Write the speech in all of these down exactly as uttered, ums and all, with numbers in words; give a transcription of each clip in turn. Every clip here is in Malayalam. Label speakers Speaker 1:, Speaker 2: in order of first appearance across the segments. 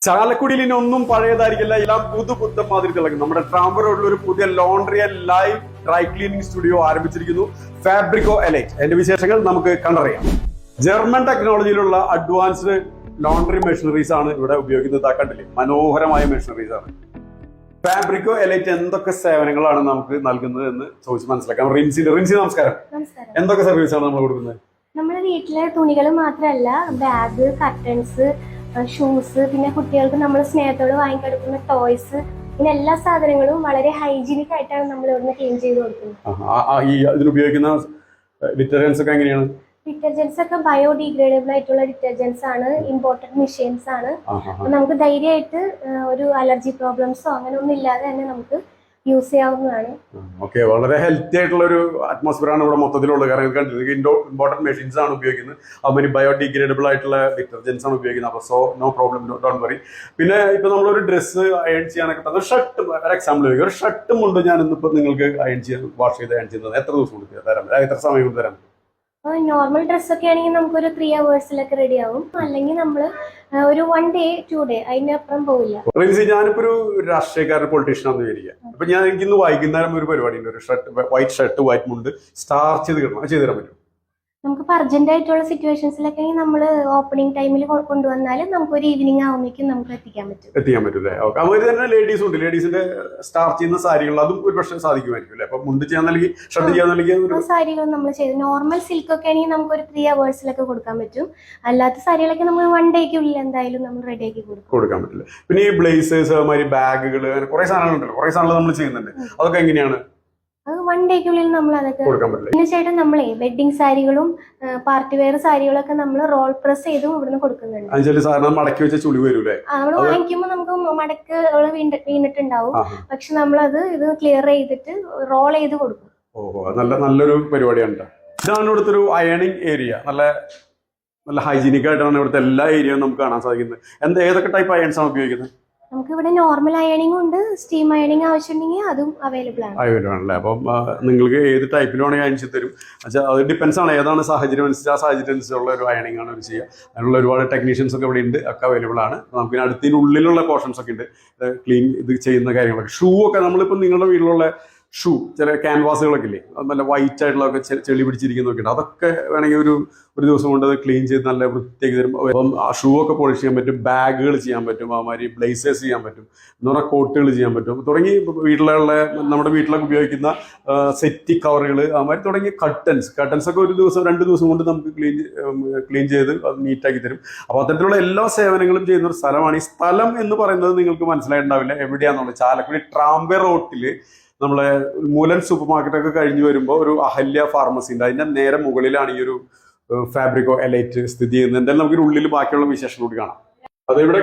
Speaker 1: ചാലക്കുടിയിൽ ഇനി ഒന്നും പഴയതായിരിക്കില്ല, എല്ലാം പുതു പുത്തൻ മാതിരി തിളങ്ങും. നമ്മുടെ ട്രാംബർ റോഡിൽ ഒരു പുതിയ laundry and live dry cleaning studio ആരംഭിച്ചിരിക്കുന്നു, ഫാബ്രിക്കോ എലൈറ്റ്. അതിന്റെ വിശേഷങ്ങൾ നമുക്ക് കണ്ടറിയാം. ജർമ്മൻ ടെക്നോളജിയിലുള്ള അഡ്വാൻസ്ഡ് ലോണ്ടറി മെഷീനറീസ് ആണ് ഇവിടെ ഉപയോഗിക്കുന്നത്. കണ്ടില്ലേ, മനോഹരമായ മെഷീനറീസ് ആണ്. ഫാബ്രിക്കോ എലൈറ്റ് എന്തൊക്കെ സേവനങ്ങളാണ് നമുക്ക് നൽകുന്നത് എന്ന് ചോദിച്ച് മനസ്സിലാക്കാം. റിൻസി റിൻസി നമസ്കാരം. എന്തൊക്കെ സർവീസ് ആണ് നമ്മൾ കൊടുക്കുന്നത്?
Speaker 2: നമ്മുടെ വീട്ടിലെ തുണികൾ മാത്രമല്ല, ബാഗ്, കർട്ടൻസ്, ഷൂസ്, പിന്നെ കുട്ടികൾക്ക് നമ്മൾ സ്നേഹത്തോട് വാങ്ങിക്കെടുക്കുന്ന ടോയ്സ്, ഇങ്ങനെ എല്ലാ സാധനങ്ങളും വളരെ ഹൈജീനിക് ആയിട്ടാണ് നമ്മൾ ഇവിടുന്ന് ക്ലീൻ ചെയ്ത് കൊടുക്കുന്നത്.
Speaker 1: ഈ ഇതിനുപയോഗിക്കുന്ന ഡിറ്റർജൻസ് ഒക്കെ എങ്ങനെയാണ്?
Speaker 2: ഡിറ്റർജൻസ് ഒക്കെ ബയോഡിഗ്രേഡബിൾ ആയിട്ടുള്ള ഡിറ്റർജൻസ് ആണ്, ഇമ്പോർട്ടഡ് മെഷീൻസ് ആണ്. നമുക്ക് ധൈര്യമായിട്ട് ഒരു അലർജി പ്രോബ്ലംസോ അങ്ങനെ ഒന്നും ഇല്ലാതെ തന്നെ നമുക്ക് യൂസ് ചെയ്യാവുന്നതാണ്.
Speaker 1: ഓക്കെ, വളരെ ഹെൽത്തി ആയിട്ടുള്ള ഒരു അറ്റ്മോസ്ഫിയർ ആണ് ഇവിടെ മൊത്തത്തിലുള്ളത്. കാരണം കണ്ടിട്ട് ഇമ്പോർട്ടന്റ് മെഷീൻസ് ആണ് ഉപയോഗിക്കുന്നത്, അതുമാതിരി ബയോഡിഗ്രേഡബിൾ ആയിട്ടുള്ള ഡിറ്റർജൻസ് ആണ് ഉപയോഗിക്കുന്നത്. അപ്പോൾ so no problem, don't worry. പിന്നെ ഇപ്പൊ നമ്മളൊരു ഡ്രസ്സ് അയൺ ചെയ്യാനൊക്കെ തന്നെ ഷർട്ട്, ഒരു എക്സാമ്പിൾ ചോദിക്കും, ഒരു ഷർട്ടും കൊണ്ട് ഞാൻ ഇന്നിപ്പോ നിങ്ങൾക്ക് അയൺ ചെയ്യാൻ വാഷ് ചെയ്ത് അയൺ ചെയ്യുന്നത് എത്ര ദിവസം കൊണ്ട് തരാം, എത്ര സമയം കൊണ്ട് തരാം?
Speaker 2: നോർമൽ ഡ്രസ്സൊക്കെ ആണെങ്കിൽ നമുക്കൊരു ത്രീ അവേഴ്സിലൊക്കെ റെഡി ആവും. അല്ലെങ്കിൽ നമ്മൾ ഒരു വൺ ഡേ ടു ഡേ അതിനപ്പുറം പോവില്ല.
Speaker 1: റിൻസി, ഞാനിപ്പോ ഒരു രാഷ്ട്രീയക്കാരൻ, പൊളിറ്റീഷ്യൻ ആണെന്ന് വിചാരിക്കുക. അപ്പൊ ഞാൻ എനിക്ക് ഇന്ന് വൈകുന്നേരം ഒരു പരിപാടി ഉണ്ട്, ഒരു ഷർട്ട്, വൈറ്റ് ഷർട്ട് വൈറ്റ് മുണ്ട് സ്റ്റാർച്ച് ചെയ്ത് കിട്ടണം, ചെയ്ത് തരാൻ പറ്റും?
Speaker 2: നമുക്ക് അർജന്റ് ആയിട്ടുള്ള സിറ്റുവേഷൻസിലൊക്കെ നമ്മൾ ഓപ്പണിംഗ് ടൈമിൽ കൊണ്ടുവന്നാൽ നമുക്ക് ഒരു ഈവനിങ് ആവുമ്പോഴേക്കും നമുക്ക് എത്തിക്കാൻ പറ്റും
Speaker 1: എത്തിക്കാൻ പറ്റും അല്ലേ? ഓക്കെ. അതുപോലെ തന്നെ ലേഡീസും ഉണ്ട്, ലേഡീസിന്റെ സ്റ്റാർച്ച് ചെയ്യുന്ന സാരികൾ, അതും ഒരു പക്ഷേ സാധിക്കുമായിരിക്കും അല്ലേ? അപ്പൊ മുണ്ട് ചെയ്യാൻ നൽകി, ഷർട്ട് ചെയ്യാൻ നൽകി
Speaker 2: സാരികൾ നമ്മൾ ചെയ്ത് നോർമൽ സിൽക്ക് ഒക്കെ ആണെങ്കിൽ നമുക്ക് ഒരു ത്രീ അവേഴ്സിലൊക്കെ കൊടുക്കാൻ പറ്റും. അല്ലാത്ത സാരികളൊക്കെ നമ്മൾ വൺ ഡേക്കുള്ളിൽ എന്തായാലും നമ്മൾ റെഡി ആക്കി കൊടുക്കും
Speaker 1: കൊടുക്കാൻ പറ്റില്ല. പിന്നെ ഈ ബ്ലേസേഴ്സ്, അതുമാതിരി ബാഗുകൾ, അങ്ങനെ കുറെ സാധനങ്ങളുണ്ടല്ലോ, കുറെ സാധനങ്ങൾ നമ്മൾ ചെയ്യുന്നുണ്ട്. അതൊക്കെ എങ്ങനെയാണ്?
Speaker 2: അത് വൺ ഡേക്കുള്ളിൽ നമ്മൾ അതൊക്കെ
Speaker 1: കൊടുക്കാൻ പറ്റില്ല.
Speaker 2: പിന്നെ ചേട്ടൻ നമ്മളെ വെഡിങ് സാരികളും പാർട്ടി വെയർ സാരികളൊക്കെ നമ്മൾ റോൾ പ്രസ് ചെയ്തും ഇവിടുന്ന് കൊടുക്കുന്നുണ്ട്.
Speaker 1: സാധനം മടക്കി വെച്ച ചുളി വരൂലേ?
Speaker 2: നമ്മൾ വാങ്ങിക്കുമ്പോൾ നമുക്ക് മടക്ക് വീണിട്ടുണ്ടാവും, പക്ഷെ നമ്മളത് ഇത് ക്ലിയർ ചെയ്തിട്ട് റോൾ ചെയ്ത് കൊടുക്കും.
Speaker 1: ഓഹോ, നല്ല നല്ലൊരു പരിപാടിയാണ്. ഇതാണ് ഇവിടുത്തെ ഒരു അയണിങ് ഏരിയ. നല്ല നല്ല ഹൈജീനിക് ആയിട്ടാണ് ഇവിടുത്തെ എല്ലാ ഏരിയയും നമുക്ക് കാണാൻ സാധിക്കുന്നത്. എന്താ, ഏതൊക്കെ ടൈപ്പ് അയൺസ് ആണ് ഉപയോഗിക്കുന്നത്?
Speaker 2: നമുക്ക് ഇവിടെ നോർമൽ അയണിംഗ് ഉണ്ട്, സ്റ്റീം അയണിംഗ് ആവശ്യമുണ്ടെങ്കിൽ അതും അവൈലബിൾ ആണ്.
Speaker 1: അവൈലബിൾ ആണല്ലേ? അപ്പം നിങ്ങൾക്ക് ഏത് ടൈപ്പിലാണെങ്കിൽ അയൺ ചെയ്ത് തരും. പക്ഷേ അത് ഡിപ്പെൻസ് ആണ്, ഏതാണ് സാഹചര്യം അനുസരിച്ച് ആ സാഹചര്യം അനുസരിച്ചുള്ള ഒരു അയണിംഗ് ആണ് അവർ ചെയ്യുക. അതിനുള്ള ഒരുപാട് ടെക്നീഷ്യൻസ് ഒക്കെ ഇവിടെ ഉണ്ട്, ഒക്കെ അവൈലബിൾ ആണ്. നമുക്ക് അടുത്തതിനുള്ളിലുള്ള പോർഷൻസ് ഒക്കെ ഉണ്ട്, ക്ലീൻ ഇത് ചെയ്യുന്ന കാര്യങ്ങളൊക്കെ. ഷൂ ഒക്കെ നമ്മളിപ്പോൾ നിങ്ങളുടെ വീട്ടിലുള്ള ഷൂ, ചില ക്യാൻവാസുകളൊക്കെ ഇല്ലേ, നല്ല വൈറ്റ് ആയിട്ടുള്ളതൊക്കെ ചെളി പിടിച്ചിരിക്കുന്നതൊക്കെ ഉണ്ട്, അതൊക്കെ വേണമെങ്കിൽ ഒരു ഒരു ദിവസം കൊണ്ട് അത് ക്ലീൻ ചെയ്ത് നല്ല വൃത്തിയാക്കി തരും. അപ്പം ആ ഷൂ ഒക്കെ പോളിഷ് ചെയ്യാൻ പറ്റും, ബാഗുകൾ ചെയ്യാൻ പറ്റും, അതുമാതിരി ബ്ലേസേഴ്സ് ചെയ്യാൻ പറ്റും, എന്ന് പറഞ്ഞാൽ കോട്ടുകൾ ചെയ്യാൻ പറ്റും, തുടങ്ങി വീട്ടിലുള്ള നമ്മുടെ വീട്ടിലൊക്കെ ഉപയോഗിക്കുന്ന സെറ്റി കവറുകൾ, അതുമാതിരി തുടങ്ങി കർട്ടൻസ് കർട്ടൻസ് ഒക്കെ ഒരു ദിവസം രണ്ട് ദിവസം കൊണ്ട് നമുക്ക് ക്ലീൻ ക്ലീൻ ചെയ്ത് അത് നീറ്റാക്കി തരും. അപ്പോൾ അത്തരത്തിലുള്ള എല്ലാ സേവനങ്ങളും ചെയ്യുന്ന ഒരു സ്ഥലമാണ്. ഈ സ്ഥലം എന്ന് പറയുന്നത് നിങ്ങൾക്ക് മനസ്സിലായിട്ടുണ്ടാവില്ല എവിടെയാണെന്നുള്ളത്. ചാലക്കുടി ട്രാംബെ റോട്ടിൽ നമ്മളെ മൂലൻ സൂപ്പർ മാർക്കറ്റൊക്കെ കഴിഞ്ഞ് വരുമ്പോൾ ഒരു അഹല്യ ഫാർമസി ഉണ്ട്, അതിന്റെ നേരെ മുകളിലാണ് ഈ ഒരു ഫാബ്രിക്കോ എലൈറ്റ് സ്ഥിതി ചെയ്യുന്നത്. എന്തായാലും നമുക്ക് ഉള്ളിൽ ബാക്കിയുള്ള വിശേഷം കൂടി കാണാം. അത് ഇവിടെ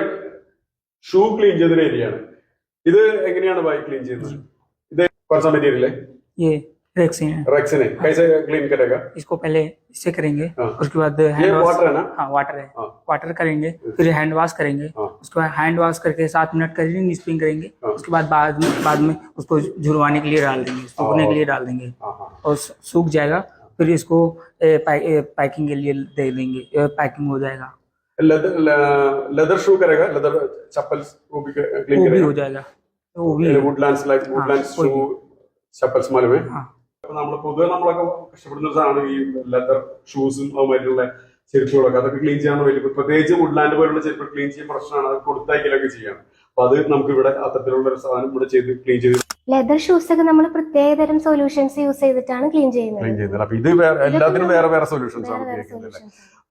Speaker 1: ഷൂ ക്ലീൻ ചെയ്തൊരു ഏരിയയാണ്. ഇത് എങ്ങനെയാണ് ബൈക്ക് ക്ലീൻ ചെയ്യുന്നത്? ഇത് കുറച്ച് മെറ്റീരിയൽ
Speaker 3: रेक्सिन है।
Speaker 1: रेक्सिन है, कैसे क्लीन करेगा?
Speaker 3: इसको पहले इससे करेंगे, उसके बाद
Speaker 1: हैंड वॉश, वाटर है ना?
Speaker 3: हाँ वाटर है, वाटर करेंगे, फिर हैंड वॉश करेंगे, उसके बाद हैंड वॉश करके सात मिनट करेंगे, स्पिन करेंगे, उसके बाद बाद में बाद में उसको झुरवाने के लिए डाल देंगे, सूखने के लिए डाल देंगे और सूख जाएगा, फिर इसको पैकिंग के लिए दे देंगे, पैकिंग हो जाएगा।
Speaker 1: लेदर लेदर शू करेगा, लेदर चप्पल वो भी क्लीन करेगा,
Speaker 3: हो जाएगा, वो भी
Speaker 1: Woodlands like Woodlands shoe chappals मालूम है? നമ്മൾ പൊതുവെ നമ്മളൊക്കെ കഷ്ടപ്പെടുന്ന ഒരു സാധനമാണ് ഈ ലെതർ ഷൂസും അതുമായിട്ടുള്ള ചെരുപ്പുകളൊക്കെ. അതൊക്കെ ക്ലീൻ ചെയ്യാൻ വലിയ, പ്രത്യേകിച്ച് വുഡ്ലാൻഡ് പോലുള്ള ചെരുപ്പ് ക്ലീൻ ചെയ്യാൻ പ്രശ്നമാണ്, അത് കൊടുത്തയക്കലൊക്കെ ചെയ്യണം. അപ്പൊ അത് നമുക്ക് ഇവിടെ അത്തരത്തിലുള്ള ഒരു സാധനം ഇവിടെ ചെയ്ത് ക്ലീൻ ചെയ്ത്
Speaker 2: ലെതർ ഷൂസ് ഒക്കെ നമ്മൾ പ്രത്യേകതരം സൊല്യൂഷൻസ് യൂസ് ചെയ്തിട്ടാണ് ക്ലീൻ ചെയ്യുന്നത്.
Speaker 1: ക്ലീൻ ചെയ്യുന്നത്. അപ്പൊ ഇത് എല്ലാത്തിനും വേറെ വേറെ സൊല്യൂഷൻസ് ആണ് ഉപയോഗിക്കുന്നത്.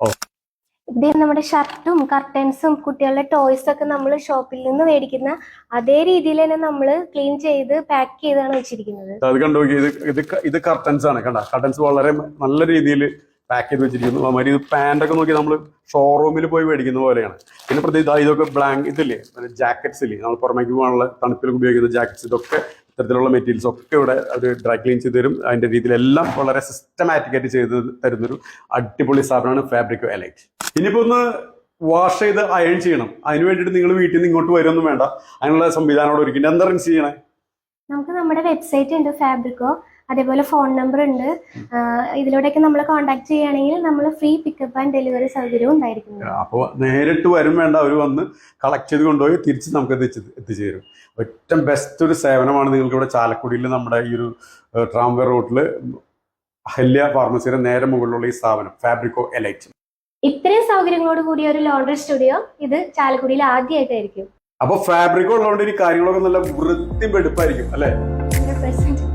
Speaker 2: ഇത് നമ്മുടെ ഷർട്ടും കർട്ടൻസും കുട്ടികളുടെ ടോയ്സ് ഒക്കെ നമ്മൾ ഷോപ്പിൽ നിന്ന് മേടിക്കുന്ന അതേ രീതിയിൽ തന്നെ നമ്മൾ ക്ലീൻ ചെയ്ത് പാക്ക് ചെയ്താണ് വെച്ചിരിക്കുന്നത്.
Speaker 1: അത് കണ്ടു, ഇത് ഇത് ഇത് കർട്ടൻസ് ആണ്. കണ്ട, കർട്ടൻസ് വളരെ നല്ല രീതിയിൽ പാക്ക് ചെയ്ത് വെച്ചിരിക്കുന്നു. അതുമാതിരി ഇത് പാൻ്റ് ഒക്കെ നോക്കി നമ്മൾ ഷോറൂമിൽ പോയി മേടിക്കുന്ന പോലെയാണ്. പിന്നെ പ്രത്യേകിച്ച് ഇതൊക്കെ ബ്ലാങ്ക് ഇതില്ലേ, ജാക്കറ്റ്സ് ഇല്ലേ, നമ്മൾ പുറമേക്ക് പോകാനുള്ള തണുപ്പിലൊക്കെ ഉപയോഗിക്കുന്ന ജാക്കറ്റ്സ്, ഇതൊക്കെ ഇത്തരത്തിലുള്ള മെറ്റീരിയൽസ് ഒക്കെ ഇവിടെ അവർ ഡ്രൈ ക്ലീൻ ചെയ്ത് തരും. അതിന്റെ രീതിയിലെല്ലാം വളരെ സിസ്റ്റമാറ്റിക് ആയിട്ട് ചെയ്ത് തരുന്നൊരു അടിപൊളി സ്ഥാപനമാണ് ഫാബ്രിക്കോ എലൈറ്റ്. ഇനിയിപ്പോ ഒന്ന് വാഷ് ചെയ്ത് അയൺ ചെയ്യണം, അതിന് വേണ്ടിയിട്ട് നിങ്ങൾ വീട്ടിൽ നിന്ന് ഇങ്ങോട്ട് വരുമൊന്നും വേണ്ട, അതിനുള്ള സംവിധാനം അവിടെ ഒരുക്കിയിട്ട് എന്താ റിൻസ് ചെയ്യണേ?
Speaker 2: നമുക്ക് നമ്മുടെ വെബ്സൈറ്റ് ഉണ്ട് ഫാബ്രിക്കോ, അതേപോലെ ഫോൺ നമ്പർ ഉണ്ട്. ഇതിലൂടെയൊക്കെ നമ്മൾ കോൺടാക്ട് ചെയ്യുകയാണെങ്കിൽ നമ്മൾ ഫ്രീ പിക്കപ്പ് ആൻഡ് ഡെലിവറി സൗകര്യവും ഉണ്ടായിരിക്കും.
Speaker 1: അപ്പോൾ നേരിട്ട് വരും വേണ്ട, അവർ വന്ന് കളക്ട് ചെയ്ത് കൊണ്ടുപോയി തിരിച്ച് നമുക്ക് എത്തിച്ച് എത്തിച്ചു തരും. ഏറ്റവും ബെസ്റ്റ് ഒരു സേവനമാണ് നിങ്ങൾക്ക് ഇവിടെ ചാലക്കുടിയിൽ നമ്മുടെ ഈ ഒരു ട്രാംവേ റോഡിൽ അഹല്യ ഫാർമസിയുടെ നേരെ മുകളിലുള്ള ഈ സ്ഥാപനം ഫാബ്രിക്കോ എലൈറ്റ്.
Speaker 2: ഇത്രയും സൗകര്യങ്ങളോട് കൂടിയ ഒരു ലോണ്ടറി സ്റ്റുഡിയോ ഇത് ചാലക്കുടിയിൽ ആദ്യമായിട്ടായിരിക്കും.
Speaker 1: അപ്പൊ ഫാബ്രിക്കോ ഉള്ളതുകൊണ്ട് ഈ കാര്യങ്ങളൊക്കെ നല്ല വൃത്തി വെടുപ്പായിരിക്കും അല്ലേ?
Speaker 2: Hundred percent